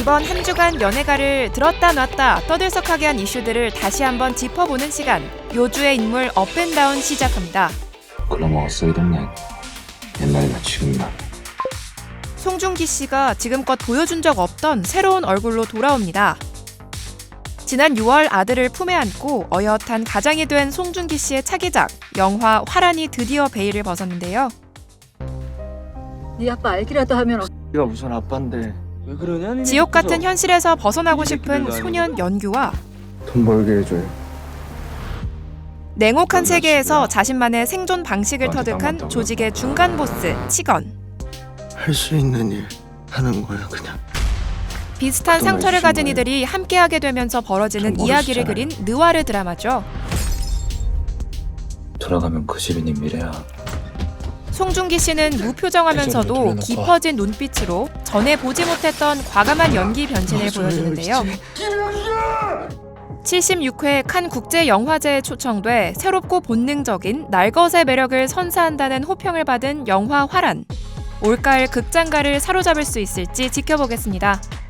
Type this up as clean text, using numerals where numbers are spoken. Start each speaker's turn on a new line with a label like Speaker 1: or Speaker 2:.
Speaker 1: 이번 한 주간 연예가를 들었다 놨다 떠들썩하게 한 이슈들을 다시 한번 짚어보는 시간. 요주의 인물 업앤다운 시작합니다.
Speaker 2: 글러먹었어 이 동네. 옛날이나 지금이나.
Speaker 1: 송중기 씨가 지금껏 보여준 적 없던 새로운 얼굴로 돌아옵니다. 지난 6월 아들을 품에 안고 어엿한 가장이 된 송중기 씨의 차기작 영화 화란이 드디어 베일을 벗었는데요.
Speaker 3: 네 아빠 알기라도 하면
Speaker 4: 네가 무슨 아빠인데 왜 그러냐?
Speaker 1: 지옥 같은 현실에서 벗어나고 싶은 소년 연규와
Speaker 4: 돈 벌게 해줘요.
Speaker 1: 냉혹한 세계에서 자신만의 생존 방식을 터득한 조직의 중간 보스 치건.
Speaker 4: 할 수 있는 일 하는 거야 그냥.
Speaker 1: 비슷한 상처를 가진 이들이 함께하게 되면서 벌어지는 이야기를 그린 느와르 드라마죠.
Speaker 2: 돌아가면 그 집이 네 미래야.
Speaker 1: 송중기 씨는 무표정하면서도 깊어진 눈빛으로 전에 보지 못했던 과감한 연기 변신을 보여주는데요. 76회 칸 국제영화제에 초청돼 새롭고 본능적인 날것의 매력을 선사한다는 호평을 받은 영화 화란. 올가을 극장가를 사로잡을 수 있을지 지켜보겠습니다.